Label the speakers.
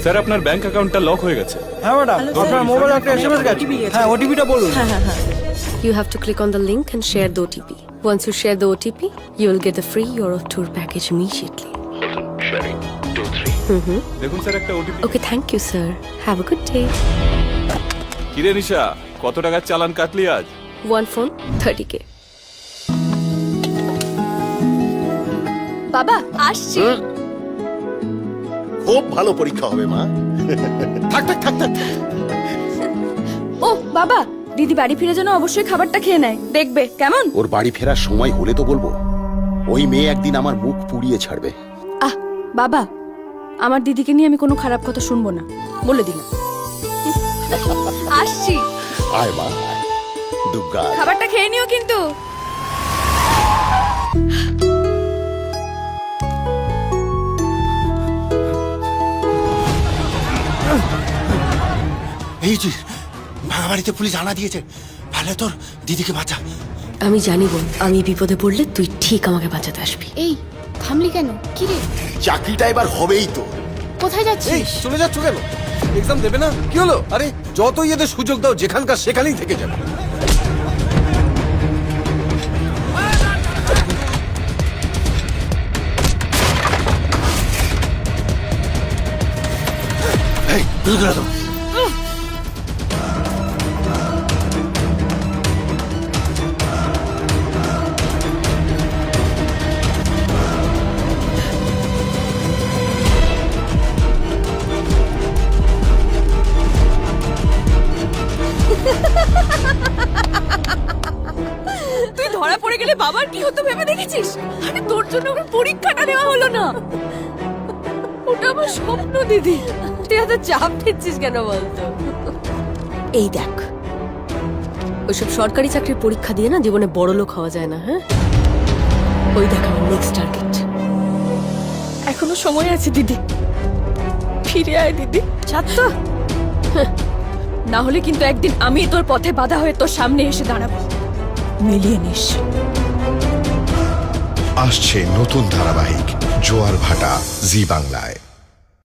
Speaker 1: Sir আপনার bank অ্যাকাউন্টটা lock হয়ে গেছে।
Speaker 2: হ্যাঁ ম্যাডাম, আপনার মোবাইলে একটা এসএমএস গেছে। হ্যাঁ, ওটিপিটা বলুন।
Speaker 3: You have to click on the link and share the OTP. Once you share the OTP, you will get the free Euro tour package immediately.
Speaker 1: দেখুন স্যার একটা OTP.
Speaker 3: Okay, thank you, sir. Have a good day.
Speaker 1: কিরে নিশা, কত টাকার চালান কাটলি আজ?
Speaker 3: One phone, 30K.
Speaker 4: বাবা আসছি।
Speaker 5: খুব ভালো পরীক্ষা হবে মা। থাক থাক থাক থাক।
Speaker 4: ও বাবা, দিদি বাড়ি ফিরে যেন অবশ্যই খাবারটা খেয়ে নেয়, দেখবে কেমন?
Speaker 5: ওর বাড়ি ফেরার সময় হলে তো বলবো। ওই মেয়ে একদিন আমার মুখ পুড়িয়ে ছাড়বে।
Speaker 4: আহ বাবা, আমার দিদিকে নিয়ে আমি কোনো খারাপ কথা শুনবো না, বলে দিলাম। আসছি।
Speaker 5: আয় মা, আয়। দুর্গা।
Speaker 4: খাবারটা খেয়ে নিও কিন্তু।
Speaker 6: এই যে ভাঙা বাড়িতে পুলিশ আনা দিয়েছে, ভালো তোর দিদিকে বাঁচা।
Speaker 3: আমি জানি বোন, আমি বিপদে পড়লে তুই ঠিক আমাকে বাঁচাতে আসবি।
Speaker 7: এই থামলি কেন? কি রে,
Speaker 5: চাকরিটা এবার হবেই তো।
Speaker 7: কোথায় যাচ্ছিস?
Speaker 2: চলে যাচ্ছ কেন? এক্সাম দেবে না? কি হলো? আরে যতই এদের সুযোগ দাও, যেখানকার সেখানেই থেকে যাবে।
Speaker 6: এই দুর্গা তো
Speaker 4: তুই ধরা পড়ে গেলে বাবার কি হতো ভেবে দেখেছিস? আরে তোর জন্য আমার পরীক্ষাটা দেওয়া হলো না। ওটা আমার স্বপ্ন দিদি। তুই এত চাপ দিচ্ছিস কেন বলতো?
Speaker 3: এই দেখ, ওইসব সরকারি চাকরির পরীক্ষা দিয়ে না জীবনে বড় লোক হওয়া যায় না। হ্যাঁ, ওই দেখ আমার নেক্সট টার্গেট।
Speaker 4: এখনো সময় আছে দিদি, ফিরে আয় দিদি। ছাত্র না হলে কিন্তু একদিন আমি তোর পথে বাধা হয়ে তোর সামনে এসে দাঁড়াবো, মিলিয়ে নিস।
Speaker 8: আসছে নতুন ধারাবাহিক জোয়ার ভাটা জি বাংলায়।